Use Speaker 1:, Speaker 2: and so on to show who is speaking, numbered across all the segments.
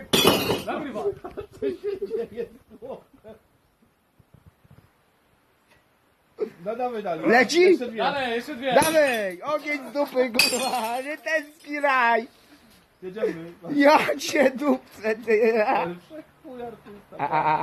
Speaker 1: Nagrywa.
Speaker 2: No dawaj dalej.
Speaker 3: Leci?
Speaker 2: Jeszcze dwie.
Speaker 1: Dalej, jeszcze dwie.
Speaker 3: Dawaj, ogień z dupy, kurwa, nie tęskni raj.
Speaker 2: Jedziemy.
Speaker 3: Ja cię dupcę, ty.
Speaker 2: Ale wszechchuj artysta.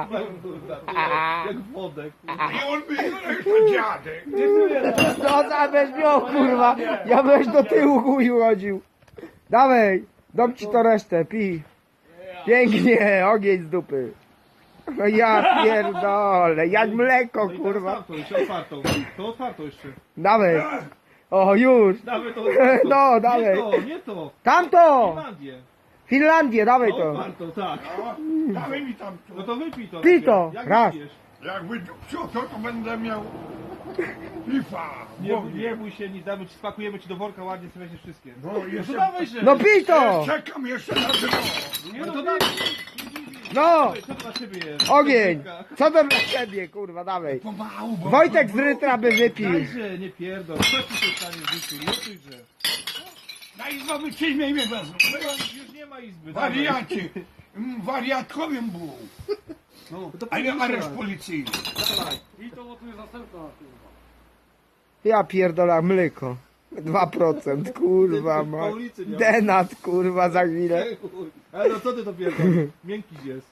Speaker 2: Jak wodę.
Speaker 4: I on by jeszcze dziadek.
Speaker 3: No zabierz miał, kurwa. Ja byś do tyłu chuju chodził. Dawaj, dam ci to resztę, pij. Pięknie, ogień z dupy. No ja pierdolę, jak mleko,
Speaker 2: No i
Speaker 3: kurwa.
Speaker 2: teraz tamtą, jeszcze otwartą. To otwartą jeszcze.
Speaker 3: Dawaj. O, już.
Speaker 2: Dawaj to otwartą.
Speaker 3: No, dawaj.
Speaker 2: Nie to, nie to.
Speaker 3: Tamto!
Speaker 2: Finlandię.
Speaker 3: Finlandię, dawaj
Speaker 2: To
Speaker 3: to.
Speaker 2: otwartą, tak.
Speaker 4: No, dawaj mi tam
Speaker 2: No to wypij to.
Speaker 3: Pij to,
Speaker 2: Jak
Speaker 3: raz.
Speaker 2: wypijesz?
Speaker 4: Jak wydupcił to będę miał pifa.
Speaker 2: Nie bój się nic, damy ci, spakujemy ci do worka ładnie, sobie weźmiesz wszystkie.
Speaker 4: No
Speaker 2: No
Speaker 4: jeszcze,
Speaker 2: to dawaj się.
Speaker 3: No pij to!
Speaker 4: czekam jeszcze na dno.
Speaker 2: Nie no to dawaj.
Speaker 3: No!
Speaker 2: Co to dla ciebie jest?
Speaker 3: Ogień! Co to dla ciebie, kurwa, dawaj.
Speaker 4: Pomału, bo...
Speaker 3: Wojtek z Rytra by wypił.
Speaker 2: Dajże, nie pierdol. Co ci się stanie w życiu? Nie czujże.
Speaker 4: Na izbę wyczyjmie mnie wezmą.
Speaker 2: Już nie ma izby. dawaj.
Speaker 4: Wariacie. Wariatkowym był.
Speaker 2: No, to
Speaker 4: A nie
Speaker 2: powiedz
Speaker 4: areszt
Speaker 2: teraz.
Speaker 4: policyjny.
Speaker 1: I to bo tu jest następna, kurwa.
Speaker 3: Ja pierdolę mleko. 2%, kurwa,
Speaker 2: Po
Speaker 3: ma.
Speaker 2: ulicy nie ma.
Speaker 3: Denat, kurwa, za chwilę.
Speaker 2: Ale no co ty to pierdol? Miękki jest.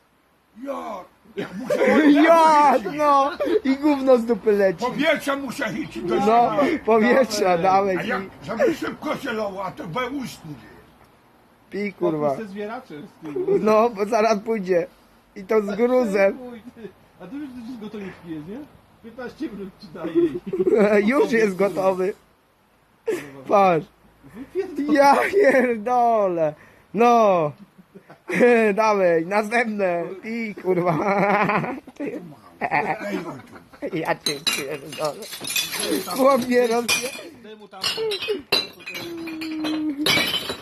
Speaker 4: Ja muszę...
Speaker 3: Ja, no! I gówno z dupy leci.
Speaker 4: Powietrze muszę iść do
Speaker 3: No, powietrza, dawaj.
Speaker 4: A jak, żeby szybko się lało, a to we ustnie.
Speaker 3: Pij, kurwa.
Speaker 2: Ze zwieraczem z tyłu.
Speaker 3: No, bo zaraz pójdzie. I to z gruzem.
Speaker 2: Chuj, ty. A tu już z gotowniczki jest, nie? 15 minut ci daje.
Speaker 3: Już jest gotowy. Patrz. Ja pierdolę. No. Dawaj, następne. Pij, kurwa.
Speaker 4: Ej, Wojtek.
Speaker 3: Ja cię pierdolę. Chłop mnie rozje...
Speaker 2: Daj mu tam.